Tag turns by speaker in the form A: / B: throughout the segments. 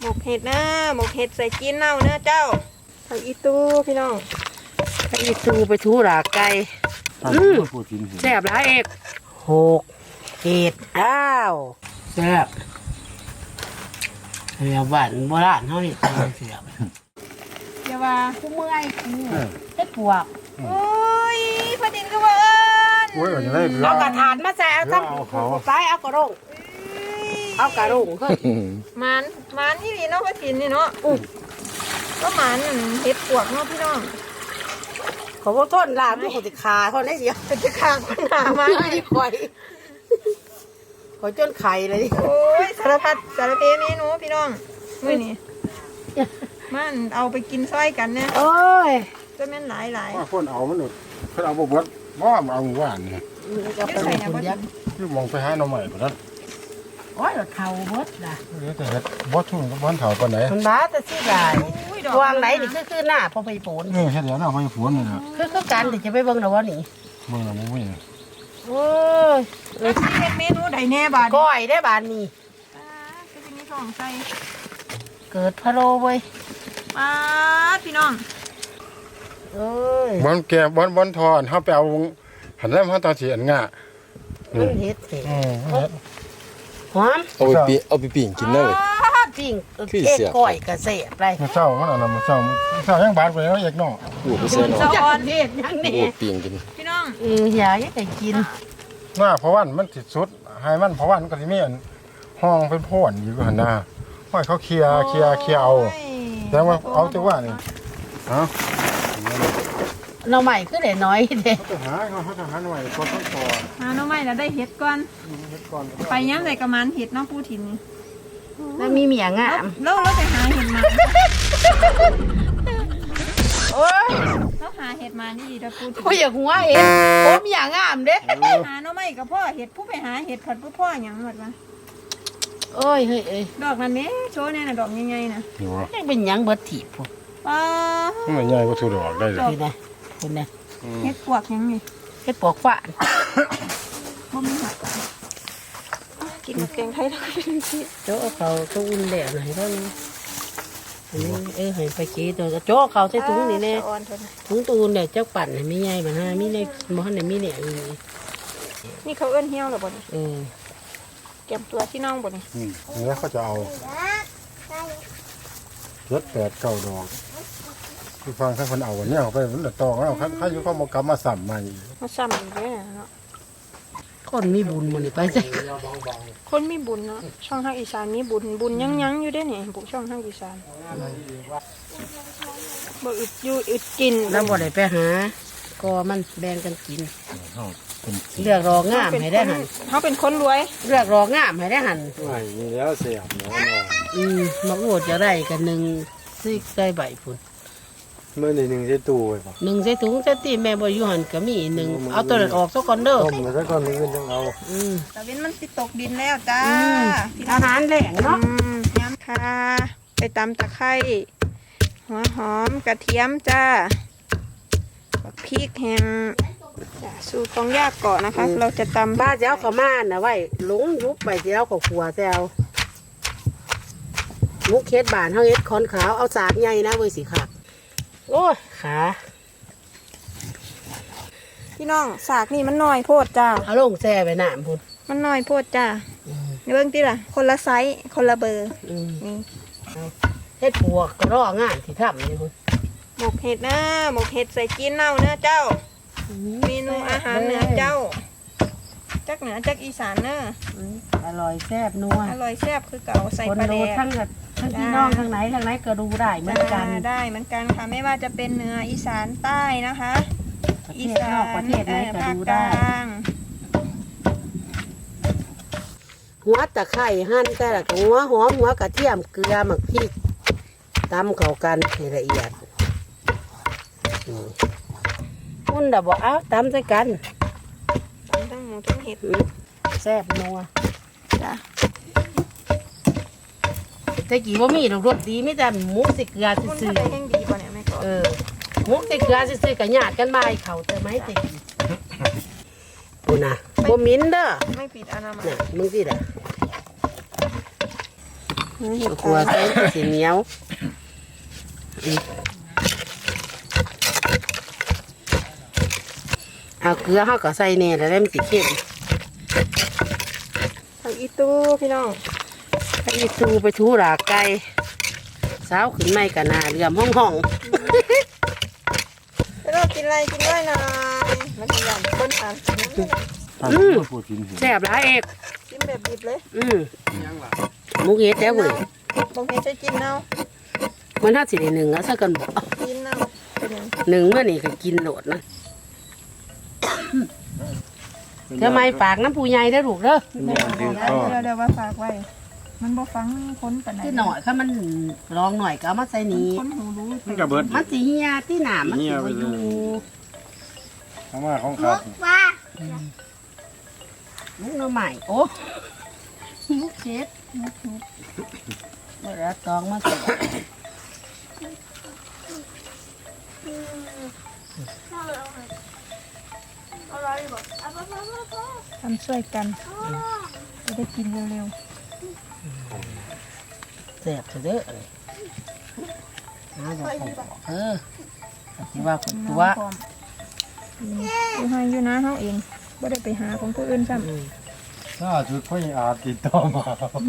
A: หมกเห็ดนะหมกเห็ดใส่จีนเน่าเนื้อเจ้าผักอีตูพี่น้อง
B: ผักอีตูไปทูหลาไก่แซ่บหลายเอก6 เห็ดอ้าวแซ่บเรียบหวานโบราณเท่านี้เสียบ
A: อย่าว่า
B: คู่เมื่อยเฮ็ดปวก
A: โอ้ยพอดินก็ว่า
B: เอากระถานมาใส่เอาทั้งไปเอากระด้งเอากระด้งเฮ้ย
A: มันนี่นี่เนาะพอดินนี่เนาะก็มันเห็ดปวกเนาะพี่น้อง
B: ขอพวกต้นลาบพวกเขาจะขาเท่านั้นเดียว
A: จะขาคนหนามา
B: ขอยจนไข่เลย
A: โอ้ยสารพัดสารเพเมนูพี่น้องมื้อนี้มันเอาไปกินซอยกันเนี่ย
B: โอ้ย
A: จะแม่นหลาย
C: ว่าคนเอามันหนุดคนเอาบวบว่าเอาหวานเนี่ยคือมองไปหาหน่อใหม่ก่อนนั้น
B: โอ้ยเท่าบดนะ
C: แต่เห็ดบดทุ่งบ้านเถาปานไหน
B: มันบ้าแต่สิได้วางไหนนี่คือหน้าพอไปโผล่
C: เห็ดเดี๋ยวหน้าไปฝนนี่นะ
B: คือการที่จะไปเบิ่งหรอวะนี่
C: เบิ่งแล้วมุ้ย
B: โอ้ย
A: เฮ็ดเมนูใดแน่บาด
B: ก้อยได้บาดนี่
A: ก็จะมีของใส่
B: เกิดพะโล้เว้ย
A: พี่น้อง
B: เอ้ย
C: บอนแกบอนทอนเขาไปเอาหันแล้วเขาตาเสียนง่ะ
B: เฮ็ดหอม
D: เอาไปปิ้งกินได้เลย
B: ปิ้งก้อยกระเสบไป
C: มาเศร้ามันอะไรมาเศร้ายังบาดไปแล้วเอกน้อง
D: บูดไปเสียหน่อย
B: อ่อนเฮ็ดยังนี่
D: บูดปิ้งกิน
A: พี่น้อง
B: อยากให้กิน
C: หน้าเพราะวันมันติดสุดให้มันเพราะวันก็ที่มีห้องเป็นพ่นอยู่หันหน้าห้อยเขาเคลียเอาแต่ว่าเอาแต่ว่านี่ฮะ
B: เราใหม่คือเด็กน้อยเด็ก
C: เขาจะหาหน่อยก็ต้องต่อ
A: หาหน่อไม้แล้วได้เห็ดก่อนไปย้ำใส่กระมันเห็ดน้องปูถิ่นนี่
B: แล้วมีเมียงอ่ะ
A: แล้วเราจะหาเห็ดมา
B: โอ้ย
A: เราหาเห็ดมานี่ดีถ้าปูถิ่น
B: โอ้ยอย่าหัวเห็ดโอ้มีอย่างงามเด้
A: หาหน่อไม้กับพ่อเห็ดผู้ไปหาเห็ดผัดพ่ออย่างหมดวะ
B: โอ้ยเฮ้ย
A: ดอกนั้นเนี่ยโชว์เนี่ยนะดอกใหญ่ๆนะ
B: ยังเป็นยังเบิดถีบพวก
C: มันใหญ่ก็ถูกดอกได้เลย
B: คุณนะ
A: เห็ดปวกยังไง
B: เฮ็ดปวกฝาน
A: บ่มีหักกินแกงไทยแล้วก็เป็นสิ
B: โจ๊เขาตู้อุ่นแดดหน่อยเท่านี้ให้ไปกี้ตัวโจ๊เขาใช้ถุงนี่แน่ถุงตูนเนี่ยเจ้าปั่นไม่ใหญ่มันฮะมีในมอหันเนี่ยมีเนี่ย
A: นี่เขาเอื้อนเหี้ยวหรอบ่เนี่ยเก็บตัวที่น้องบ่เนี่ย
C: นี่เขาจะเอา8-9 ดอกคือฟังท่านคนเอาเนี่ยเอาไปมันตองแล้วเขาอยู่เขามากำมาสั่มมาอีก
A: เลยเนาะ
B: คนมีบุญมันไปใช่
A: คนมีบุญเนาะช่องภาคอีสานมีบุญยังอยู่ได้เนี่ยบุช่องภาคอีสานบ่อึดกิน
B: แล้วบ่ได้ไปหาก็มันแบ่งกันกินเลือกรองามให้ได้หัน
A: เขาเป็นคนรวย
B: เลือกรองามให้ได้หัน
D: มีแล้วเสียบเนาะ
B: มาโอดจะได้กันหนึ่งซิกได้ใบพุ่น
D: เมื่อหนึ่งใส่ตู้ไว้ป่ะ
B: 1ใส่ถุงใส่ตีแม่บ่อยู่หันก็มี1เอาตัวนั้นออกซะก่อนเด้อ
D: ต้มแล้วซะก่อนนึงจังเอา
A: ตะเวนมันสิตกดินแล้วจ้า
B: อาหารแหล่งเนาะ
A: ย้ำค่ะไปตำตะไคร้หัวหอมกระเทียมจ้าพริกแห้งสูตรต้องยากก่อนนะคะเราจะตำ
B: บ้าเจ้าขม่านนะไว้หลงยุบไปเจ้าขขัวแซวมุกเฮ็ดบานเฮาเฮ็ดคอนขาวเอาสากใหญ่นะเว้ยสิค่ะโอ้ยขา
A: พี่น้องสากนี่มันน้อยโพดจ้า
B: เอาลงแซ่ไปน้ำพุ่น
A: มันน้อยโพดจ้าเบิ่งติล่ะคนละไซส์คนละเบอร์นี่
B: เฮ็ดปวกก็รองานที่ทำนี่พุ่น
A: หมกเห็ดนะหมกเห็ดใส่จีนเน่าเนื้อเจ้าเมนูอาหารเหนือเจ้าจักเหนือจักอีสานเนอะ
B: อร่อยแซ่บนัว
A: อร่อยแซ่บคือเก่าใส่ปลาแดก
B: ทั้งพี่น้องทางไหนก็ดูได้เหมือนกัน
A: ได้เหมือนกันค่ะไม่ว่าจะเป็นเหนืออีสานใต้นะคะ
B: อีสานประเทศไหนก็ดูได้หัวตะไคร้หั่นแต่ละหัวหอมหัวกระเทียมเกลือหมักพริกตำเข้ากันให้ละเอียดคุณดับบอกเอาตำใส่กัน
A: ตำทั้งหมูทั้งเห็ด
B: แซ่บนัว
A: จ้ะ
B: แต่กี่ว่ามีรสดีไม่แต่หมูสิเกลือซื่อ
A: ๆแห้งดีป่ะเนี่ยแม่ก็
B: หมูสิเกลือซื่อๆกับหยาดกันมาเขาแต่ไม่ติดปูนะบ่มิ้นเด้อ
A: ไม่ปิดอนามัย
B: มึงสิเด้อขัวใส่สีเหนียวเอาเกลือเขาก็ใส่เนี่ยแล้วมันสิเข้ม
A: ผักอีตูพี่น้อง
B: ไปทูไปทูหลากไก่สาวขึ้นไม่กันนาเรือมห้อง
A: แล้วเรากินอะไรกินด้วยหน่อยมาทำอย่างคนทานกินน้ำ
B: แซ่บหลายเอก
A: กินแบบดิบเลย
B: มุกเฮ็ดแล้วเว้ย
A: บางทีใช้กินเน่า
B: มันถ้าสิได้หนึ่งแล้วสักกันบอก
A: กินเน่าเป็นยัง
B: หนึ่งเมื่อนี่ก็กินโหลดนะทำไมฝากน้ำปูใหญ่ได้อลูกเด้อ
A: เดี๋ยวว่าฝากไว้ มันบ่ฟังคนปานไหน
B: ที่หน่อยถ้ามันลองหน่อยก็เอามาใส่นี้
A: คนหูรู้
C: มันก็เบิด
B: มันสีเฮียที่หนามันสีบ่อยู่
C: ข้างมาของครับ
B: มุกหน่อใหม่โอ้มุกเช็ดเมื่อตองมาใส่
A: ทำช่วยกันจะได้กินเร็ว
B: แซ่บเถอะเด้อที่ว่าคน
A: ๆ
B: ตัว
A: พร้อมอยู่ให้อยู่นะเฮาเองบ่ได้ไปหาของผู้อื่นซ้ำ
C: ถ้าจุดพ่ออาจติดต่อมา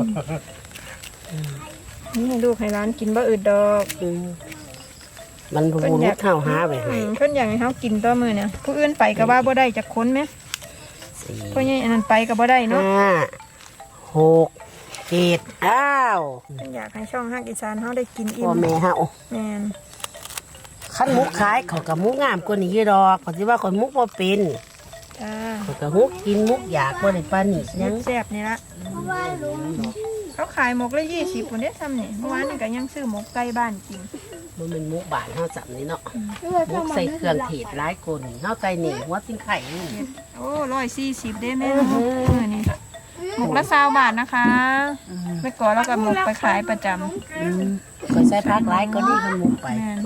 A: นี่ให้ลูกให้ร้านกินบ่อึดดอก
B: มันบูรุษเท่าหาไปให้
A: เพิ่นอยากให้เฮากินต่อมื้อเนี่ยผู้อื่นไปก็ว่าบ่ได้จักคนแหมเพราะงี้อันนั้นไปก็บ่ได้เนาะ
B: 5 6 7อ้าว
A: เพิ่นอยากให้ช่องฮักอีสานเฮาได้กินอิ่
B: พ่อ
A: ม
B: แม่เฮา
A: แม่น
B: คันมุกขายเขากับมุกงามกว่านี้ดอกเขาสิว่าคนมุกบ่เป็น
A: จ้า
B: เขากับมุกกินมุกอยากบ่ได้ปานนี้ยัง
A: แซ่บนี่ละเขาขายหมกละ20พุ่นเด้ทำนี่เมื่อวานนี่ก็ยังซื้อหมกไก่บ้านกิน
B: บ่แม่นมุกบ้านเฮาจับนี่เนาะมุกใส่เครื่องเทศหลายคนเฮาใส่นี่หัวสิงไข่นี่
A: โอ้140เด้แม่หมกนี่หมกละ20 บาทนะคะไปก่อนแล้วก็หมกไปขายประจำ
B: เคยใส่ผักหลายก็นี่มันมุกไป
A: แม่น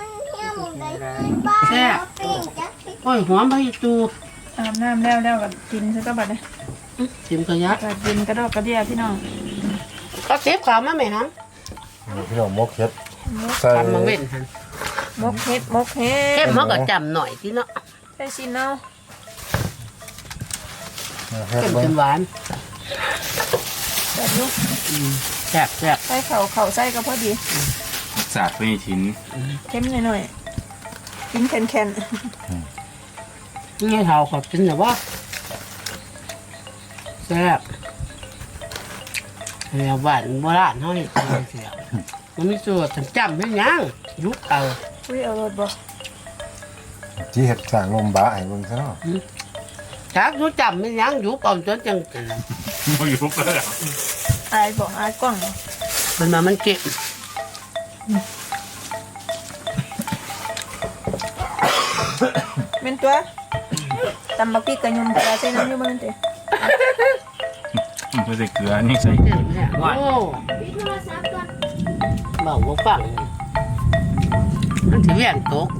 B: แซ่บโอ้ยหอมไปตู
A: อาบน้ำแล้วก็กินซะก็บัดนี้
B: ชิมกระยัก
A: ก็กินกระดอกกระเดียพี่น้อง
B: ก็เซฟขาวมาไหมฮัม
C: พี่น้องมกเฮ็ดใส่
B: ทำมาเว้นฮัน
A: หมกเฮ็ดหมกเฮ็
B: เข้
A: ด
B: มเขาก็จำหน่อยที่เนาะ
A: ใส่ซินเอา
C: เฮ็ด
B: เข้ม
C: เบิ่
B: จ
C: ง
B: นหวาน
A: แบบนี้
B: แซ่บแซ่บ
A: ใส่เข่าใส่ก็พอดี
E: ศาสตร์ไม่ทิ้น
A: เค็มหน่อยๆกินแข็ง
B: นี่ไงเขาขอบกินแต่ว่าแซ่บแล้วบ้านโบราณเขานี่เสียมันมีส่วนจำไม่ยังยุบเอา
A: ๆอุ้ยเอารสบ่
C: จีเฮ็ดสร้างลมบาให้เบิ่งซะเนาะ
B: ชักยุบจำไม่ยังยุบเอาจนจัง
E: ไม่ยุบเลย
A: อายบ่อายกล้อง
B: มันมามันเก็บ
A: เป็นตัวตำบักพริกกระยมกระใส่น้ำอยู่บ่นั่นติ
E: ไม่ใส่เกลือนี่ใส่
B: เก็บเนี่ยโอ้บอกว่าฟังมันถือแหวนตก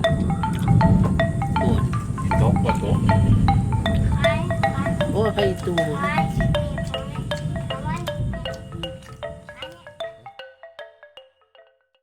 B: โอ้ย
E: โต๊ะกว่าโต๊ะ
B: โอ้ยไปตู